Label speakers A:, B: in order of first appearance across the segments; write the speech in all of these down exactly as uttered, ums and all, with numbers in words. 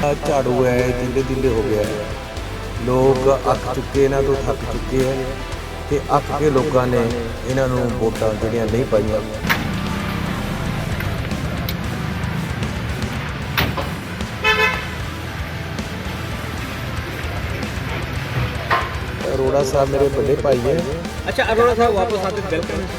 A: ਝਾੜੂ है तीले तीले हो गया है। लोग अक चुके इन्हां तो थक चुके हैं ते अक के लोगों ने इन्हां नूं वोटां जिहड़ियां नहीं पाईआं। अरोड़ा साहब मेरे बड़े भाई हैं।
B: अच्छा, अरोड़ा साहब वापस आते वेलकम।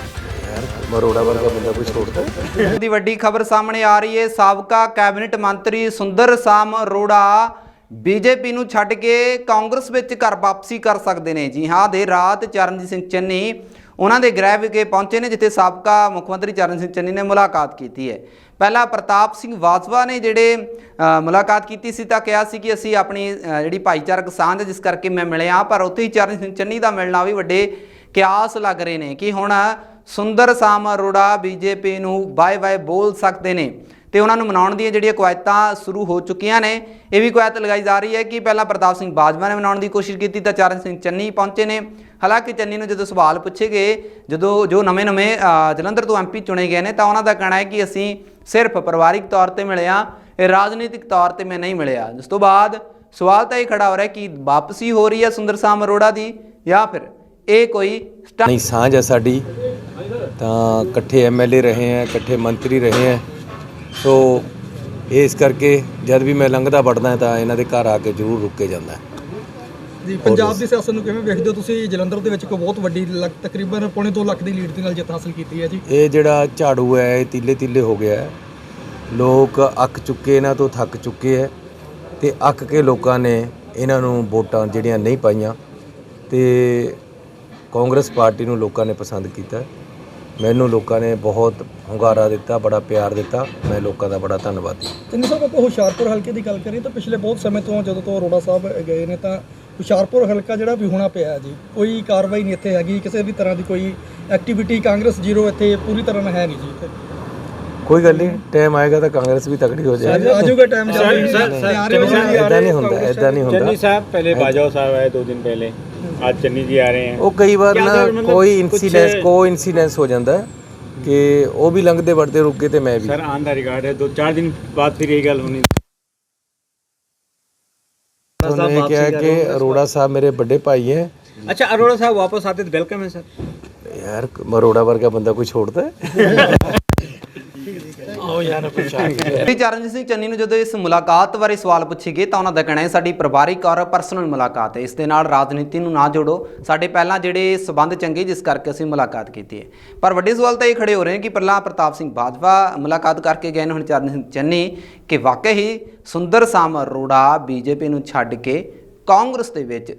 A: अरोड़ा वर्गा बंदा कोई छोड़ता
C: दी वड्डी खबर सामने आ रही है। साबका कैबिनेट मंत्री सुंदर साम अरोड़ा बीजेपी ਨੂੰ ਛੱਡ ਕੇ ਕਾਂਗਰਸ ਵਿੱਚ ਘਰ ਵਾਪਸੀ ਕਰ ਸਕਦੇ ਨੇ। ਜੀ ਹਾਂ, ਦੇਰ ਰਾਤ ਚਰਨਜੀਤ ਸਿੰਘ ਚੰਨੀ ਉਹਨਾਂ ਦੇ ਗ੍ਰਹਿ ਵਿਖੇ ਪਹੁੰਚੇ ਨੇ, ਜਿੱਥੇ ਸਾਬਕਾ ਮੁੱਖ ਮੰਤਰੀ ਚਰਨਜੀਤ ਸਿੰਘ ਚੰਨੀ ਨੇ ਮੁਲਾਕਾਤ ਕੀਤੀ ਹੈ। ਪਹਿਲਾਂ ਪ੍ਰਤਾਪ ਸਿੰਘ ਬਾਜਵਾ ਨੇ ਜਿਹੜੇ ਮੁਲਾਕਾਤ ਕੀਤੀ ਸੀ ਤਾਂ ਕਿਹਾ ਸੀ ਕਿ ਅਸੀਂ ਆਪਣੀ ਜਿਹੜੀ ਭਾਈਚਾਰਕ ਸਾਂਝ ਜਿਸ ਕਰਕੇ ਮੈਂ ਮਿਲਿਆ, ਪਰ ਉੱਥੇ ਹੀ ਚਰਨਜੀਤ ਸਿੰਘ ਚੰਨੀ ਦਾ ਮਿਲਣਾ ਵੀ ਵੱਡੇ ਕਿਆਸ ਲੱਗ ਰਹੇ ਨੇ ਕਿ ਹੁਣ ਸੁੰਦਰ ਸਾਮ ਅਰੋੜਾ ਬੀਜੇਪੀ ਨੂੰ ਬਾਏ ਬਾਏ ਬੋਲ ਸਕਦੇ ਨੇ ਤੇ ਉਹਨਾਂ ਨੂੰ ਮਨਾਉਣ ਦੀਆਂ ਜਿਹੜੀਆਂ ਕਵਾਇਤਾਂ ਸ਼ੁਰੂ ਹੋ ਚੁੱਕੀਆਂ ਨੇ। ਇਹ ਵੀ ਕਵਾਇਤ ਲਗਾਈ ਜਾ ਰਹੀ ਹੈ ਕਿ ਪਹਿਲਾਂ ਪ੍ਰਤਾਪ ਸਿੰਘ ਬਾਜਵਾ ਨੇ ਮਨਾਉਣ ਦੀ ਕੋਸ਼ਿਸ਼ ਕੀਤੀ ਤਾਂ ਚਰਨ ਸਿੰਘ ਚੰਨੀ ਪਹੁੰਚੇ ਨੇ। ਹਾਲਾਂਕਿ ਚੰਨੀ ਨੂੰ ਜਦੋਂ ਸਵਾਲ ਪੁੱਛੇ ਗਏ, ਜਦੋਂ ਜੋ ਨਵੇਂ ਨਵੇਂ ਜਲੰਧਰ ਤੋਂ ਐਮਪੀ ਚੁਣੇ ਗਏ ਨੇ, ਤਾਂ ਉਹਨਾਂ ਦਾ ਕਹਿਣਾ ਹੈ ਕਿ ਅਸੀਂ ਸਿਰਫ ਪਰਿਵਾਰਿਕ ਤੌਰ 'ਤੇ ਮਿਲੇ ਹਾਂ, ਇਹ ਰਾਜਨੀਤਿਕ ਤੌਰ 'ਤੇ ਮੈਂ ਨਹੀਂ ਮਿਲਿਆ। ਜਿਸ ਤੋਂ ਬਾਅਦ ਸਵਾਲ ਤਾਂ ਇਹ ਖੜਾ ਹੋ ਰਿਹਾ ਕਿ ਵਾਪਸੀ ਹੋ ਰਹੀ ਹੈ ਸੁੰਦਰ ਸਾਮ ਅਰੋੜਾ ਦੀ ਜਾਂ ਫਿਰ ਇਹ ਕੋਈ
A: नहीं साझ है साडी। तो इकट्ठे एम एल ए रहे हैं, इकट्ठे मंत्री रहे हैं, तो ये इस करके जब भी मैं लंघदा वड़दा ਤਾਂ ਇਹਨਾਂ ਦੇ ਘਰ ਆ ਕੇ ਜ਼ਰੂਰ ਰੁਕ ਕੇ ਜਾਂਦਾ
B: ਜੀ। ਪੰਜਾਬ ਦੀ ਸਿਆਸਤ ਨੂੰ ਕਿਵੇਂ ਵੇਖਦੇ ਹੋ ਤੁਸੀਂ? ਜਲੰਧਰ ਦੇ ਵਿੱਚ ਕੋਈ ਬਹੁਤ ਵੱਡੀ ਤਕਰੀਬਨ ਪੌਣੇ ਦੋ ਲੱਖ ਦੀ ਲੀਡ ਦੇ ਨਾਲ ਜਿੱਤ ਹਾਸਲ ਕੀਤੀ ਹੈ ਜੀ।
A: ਇਹ ਜਿਹੜਾ ਝਾੜੂ ਹੈ ਇਹ ਤੀਲੇ ਤੀਲੇ ਹੋ ਗਿਆ ਹੈ। ਲੋਕ ਅੱਕ ਚੁੱਕੇ, ਇਹਨਾਂ ਤੋਂ ਥੱਕ ਚੁੱਕੇ ਹੈ ਤੇ ਅੱਕ ਕੇ ਲੋਕਾਂ ਨੇ ਇਹਨਾਂ ਨੂੰ ਵੋਟਾਂ ਜਿਹੜੀਆਂ ਨਹੀਂ ਪਾਈਆਂ ਤੇ ਕਾਂਗਰਸ ਪਾਰਟੀ ਨੂੰ ਲੋਕਾਂ ਨੇ ਪਸੰਦ ਕੀਤਾ। ਮੈਨੂੰ ਲੋਕਾਂ ਨੇ ਬਹੁਤ ਹੁੰਗਾਰਾ ਦਿੱਤਾ, ਬੜਾ ਪਿਆਰ ਦਿੱਤਾ। ਮੈਂ ਲੋਕਾਂ ਦਾ ਬੜਾ ਧੰਨਵਾਦੀ।
B: ਚੰਨੀ ਸਾਹਿਬ, ਆਪਾਂ ਹੁਸ਼ਿਆਰਪੁਰ ਹਲਕੇ ਦੀ ਗੱਲ ਕਰੀਏ ਤਾਂ ਪਿਛਲੇ ਬਹੁਤ ਸਮੇਂ ਤੋਂ ਜਦੋਂ ਤੋਂ ਅਰੋੜਾ ਸਾਹਿਬ ਗਏ ਨੇ ਤਾਂ ਹੁਸ਼ਿਆਰਪੁਰ ਹਲਕਾ ਜਿਹੜਾ ਵੀ ਹੋਣਾ ਪਿਆ ਜੀ, ਕੋਈ ਕਾਰਵਾਈ ਨਹੀਂ ਇੱਥੇ ਹੈਗੀ, ਕਿਸੇ ਵੀ ਤਰ੍ਹਾਂ ਦੀ ਕੋਈ ਐਕਟੀਵਿਟੀ ਕਾਂਗਰਸ ਜ਼ੀਰੋ ਇੱਥੇ ਪੂਰੀ ਤਰ੍ਹਾਂ ਨਾਲ ਹੈ ਨਹੀਂ ਜੀ ਇੱਥੇ।
A: ਕੋਈ ਗੱਲ ਨਹੀਂ, ਟਾਈਮ ਆਏਗਾ ਤਾਂ ਕਾਂਗਰਸ ਵੀ ਤਕੜੀ ਹੋ ਜਾਏਗੀ।
B: ਆ ਜਾਊਗਾ ਟਾਈਮ
A: ਇੱਦਾਂ ਨਹੀਂ ਹੁੰਦਾ, ਇੱਦਾਂ ਨਹੀਂ ਹੁੰਦਾ।
D: चन्नी साहब पहले बाजवा साहब आए दो दिन पहले, आज चन्नी जी आ रहे हैं।
A: ਉਹ ਕਈ ਵਾਰ ਨਾ ਕੋਈ ਇਨਸੀਡੈਂਸ ਕੋ ਇਨਸੀਡੈਂਸ ਹੋ ਜਾਂਦਾ ਹੈ ਕਿ ਉਹ ਵੀ ਲੰਘਦੇ ਵੜਦੇ ਰੁਕ ਗਏ ਤੇ ਮੈਂ ਵੀ।
D: सर ऑन द रिकॉर्ड है, दो चार दिन बाद फिर यही गल होनी।
A: उन्होंने क्या है कि अरोड़ा साहब मेरे बड़े भाई हैं।
B: अच्छा, अरोड़ा साहब वापस आते तो वेलकम है सर।
A: यार अरोड़ा वर्गा बंदा कोई छोड़ता है?
C: ਚਰਨਜੀਤ ਸਿੰਘ ਚੰਨੀ ਨੂੰ ਜਦੋਂ ਇਸ ਮੁਲਾਕਾਤ ਬਾਰੇ ਸਵਾਲ ਪੁੱਛੇ ਗਏ ਤਾਂ ਉਹਨਾਂ ਦਾ ਕਹਿਣਾ ਹੈ ਸਾਡੀ ਪਰਿਵਾਰਿਕ ਔਰ ਪਰਸਨਲ ਮੁਲਾਕਾਤ ਹੈ, ਇਸ ਦੇ ਨਾਲ ਰਾਜਨੀਤੀ ਨੂੰ ਨਾ ਜੋੜੋ, ਸਾਡੇ ਪਹਿਲਾਂ ਜਿਹੜੇ ਸਬੰਧ ਚੰਗੇ ਜਿਸ ਕਰਕੇ ਅਸੀਂ ਮੁਲਾਕਾਤ ਕੀਤੀ ਹੈ। ਪਰ ਵੱਡੇ ਸਵਾਲ ਤਾਂ ਇਹ ਖੜੇ ਹੋ ਰਹੇ ਨੇ ਕਿ ਪਹਿਲਾਂ ਪ੍ਰਤਾਪ ਸਿੰਘ ਬਾਜਵਾ ਮੁਲਾਕਾਤ ਕਰਕੇ ਗਏ ਨੇ, ਹੁਣ ਚਰਨਜੀਤ ਸਿੰਘ ਚੰਨੀ, ਕਿ ਵਾਕਈ ਹੀ ਸੁੰਦਰ ਸਾਮ ਅਰੋੜਾ ਬੀਜੇਪੀ ਨੂੰ ਛੱਡ ਕੇ ਕਾਂਗਰਸ ਦੇ ਵਿੱਚ